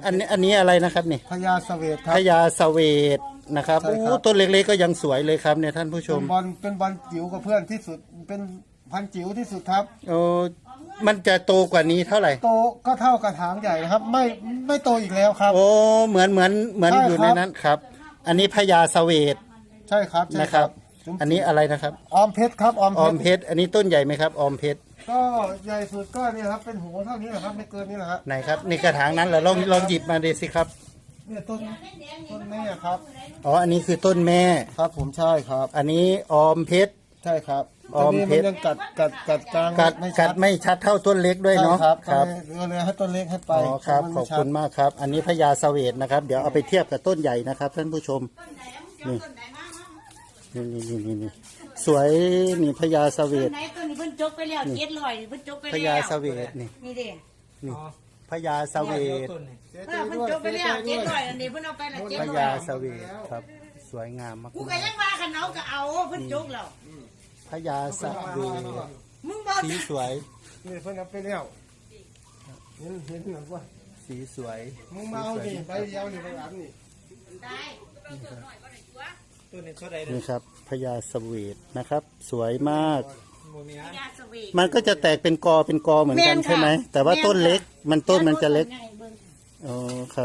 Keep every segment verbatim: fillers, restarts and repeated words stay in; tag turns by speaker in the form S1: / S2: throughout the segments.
S1: อันนี้อันนี้อะไรนะครับนี่
S2: พญาเสวตครั
S1: พ
S2: บ
S1: ญาเสวตนะครับ
S2: ใช่ครับ
S1: โอ้ต้นเล็กๆก็ยังสวยเลยครับเนี่ยท่านผู้ช
S2: เป็
S1: ม
S2: นบอลเป็นบอลจิ๋วกับเพื่อนที่สุดเป็นพันธุ์จิ๋วที่สุดครับ
S1: โอ้มันจะโตกว่านี้เท่าไหร่
S2: โตก็เท่ากระถางใหญ่นะครับ ไม่ไม่โตอีกแล้วครับ
S1: โอ้เหมือนเหมือนเหมือน
S2: ใช่
S1: อยู่ใน
S2: ครับ
S1: นั้นครับ อันนี้พญาเสวต
S2: ใช่ครับใช่
S1: นะครับ
S2: จุ๋ม
S1: อันนี้อะไรนะครับ
S2: ออมเพชรครับออม
S1: ออม
S2: เพ
S1: เพ
S2: ชร
S1: ชรอันนี้ต้นใหญ่ไหมครับออมเพชร
S2: ก็ใหญ่สุดก็เนี่ยครับเป็นหัวเท่านี้แหละครับไม่เกินนี้แหละครับ
S1: ไหนครับในกระถางนั้นเหรอลองลองหยิบมาดูสิครับ
S2: เนี่ยต้นต้นแม่ครับ
S1: อ๋ออันนี้คือต้นแม่
S2: ครับผมใช่ครับ
S1: อันนี้ออมเพชร
S2: ใช่ครับ
S1: ออมเพชร
S2: ตนนี้นยังกัดกัดกัดกลาง
S1: กัด
S2: ไม่
S1: กั
S2: ชั
S1: ดไม่ชัดเท่าต้นเล็กด้วยเนาะ
S2: ใช่ครับ
S1: ครับ
S2: ก็เลยให้ต้นเล็กให้ไป
S1: อ๋อครับ
S2: มัน
S1: ข
S2: ไม่
S1: อบ
S2: ชัด
S1: คุณมากครับ อันนี้พญาเสวตนะครับ เดี๋ยวเอาไปเทียบกับต้นใหญ่นะครับ ท่านผู้ชมนี่นี่นี่นี่นี่สวยนี่พญาเสวต
S3: ไหนตัวนี้เพิ่นจกไปแล้วเจ็ดร้อยเพิ่นจกไป
S1: พ
S3: แล้ว
S1: ญาเสวตนี่
S3: นี่เด้
S1: นี่พญาเสวต
S3: เออเพิ่นจกไปแล้วเจ็ดร้อยอันนี้เพิ่นเอาไปละเจ็ด
S1: พ
S3: ร้อย
S1: ญาเสวตครับ สวยงามมาก
S3: กูก็ยังว่าคันเอาก็เอาเพิ่นจกแล้ว
S1: พญาเสวต
S3: มึงบ่
S1: สีสวย
S2: นี่เพิ่นเอาไปแล้วเห็นเห็นหรือว่า
S1: สีสวย
S2: มึงมาเอาดิใบเดียวนี่ใบอันนี่
S3: ได้
S1: นี่ครับพญาเสวตนะครับ สวยมาก
S3: ยาสวี
S1: มันก็จะแตกเป็นกอเป็นกอเหมือนกันใช่ไหมแต่ว่าต้นเล็กมันต้นมันจะเล็กอ๋อครับ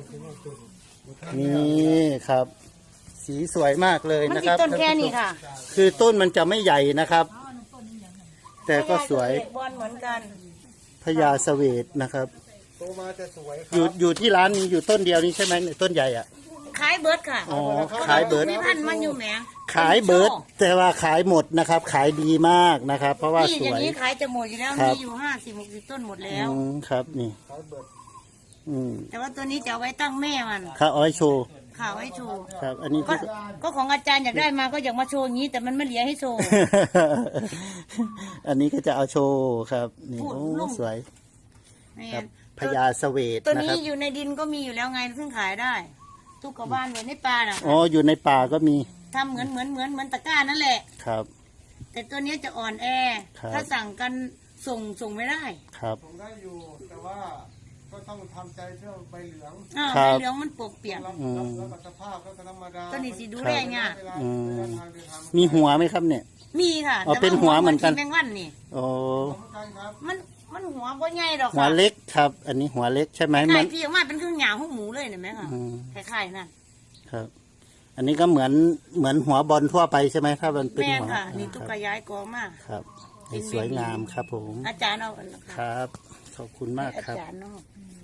S1: นี่ครับ สีสวยมากเลย
S3: มัน
S1: นะ
S3: สิ
S1: ครับ
S3: ต้นแค่นี้ค่ะ
S1: คือต้นมันจะไม่ใหญ่นะครับ แต่ก็สวย
S3: บอลเหมือนกัน
S1: พญาเสวตนะครับ
S2: โตมาจะสวยค
S1: อยู่
S2: รับ
S1: อยู่ที่ร้านมีอยู่ต้นเดียวนี้ใช่ไหมเนี่ยต้นใหญ่อ่ะ
S3: ขายเบิร์ดค่ะ
S1: อ๋อขายเบิร์ด
S3: มีพันธุ์มันอยู่แหม
S1: ขายเบิร์ดแต่ว่าขายหมดนะครับ ขายดีมากนะครับ เพราะว่า
S3: นี่
S1: ส
S3: อย่าว ง
S1: ย
S3: นี้ขายจะหมดอยู่แล้ว
S1: ครับ
S3: มีอยู่ห้าสิบหกสิบต้นหมดแล้ว
S1: อืมครับนี่อืม
S3: แต่ว่าตัวนี้จะเอาไว้ตั้งแม่มัน
S1: ข้าอ้อยโชว์
S3: ข่าวไว้โชว์
S1: ครับ อันนี้
S3: ก็
S1: คือ
S3: ก็ของอาจารย์อยากได้มาก็อยากมาโชว์อย่างนี้ แต่มันไม่เหลือให้โชว์
S1: อันนี้ก็จะเอาโชว์ครับ นี่
S3: พูด
S1: โอ้
S3: นุ่ม
S1: สวย
S3: นี่
S1: ครับพญาเสวต
S3: ตัว
S1: นะ
S3: นี้
S1: ครับ
S3: อยู่ในดินก็มีอยู่แล้วไงซึ่งขายได้ทุกกระบ้านไว้ในป่าน่ะ
S1: อ๋ออยู่ในป่าก็มี
S3: ทำเหมือนเหมือนเหมือนเหมือนตะกร้านั่นแหละ
S1: ครับ
S3: แต่ตัวนี้จะอ่อนแอ
S1: ครับ
S3: ถ้าสั่งกันส่งส่งไม่ได้
S1: ครับ
S2: ผมได้อยู่แต่ว่าก็ต้องทำใจเรื่องใบเหลือง
S3: อ้าว
S1: ครั
S3: ใบบ เหลืองมันปกเปียก
S2: รับ
S1: อืม
S2: รับแล้วก็สภาพก็ธรรมดา
S3: ตัวนี้สิดูแลเนี่ยาก
S2: เวลา
S1: อืม
S2: เวลาทางเดินทาง
S1: มีหัวไหมครับเนี่ย
S3: มีค่ะ
S1: อ๋อ
S3: แต่า
S1: เป็นหัวเหมือนกัน
S3: แมงวันนี่
S1: โอ้
S2: เหมือนกันครับ
S3: มันมันหัวก็ใหญ่ดอก
S1: หัว
S3: ค่ะ
S1: เล็กครับ อันนี้หัวเล็กใช่ไหม
S3: ค
S1: มั
S3: ล้าน ยๆที่ออกมาเป็นเครื่องหยาหูหมูเลยเห็นไหมคะ
S1: อืม
S3: คล้ายๆนั่น
S1: ครับ อันนี้ก็เหมือนเหมือนหัวบอลทั่วไปใช่ไหมถ้ามันเป็น
S3: แม่น
S1: หัว
S3: ค่ะ นี่
S1: ค
S3: ตุ๊
S1: รับ
S3: กย้ายกองมาก
S1: ครับให้สวยงามครับผม
S3: อาจารย์เอาอันนั้น
S1: ค
S3: ค่ะ
S1: รับ ขอบคุณมาก
S3: อา
S1: ครับ
S3: จารย์เนาะ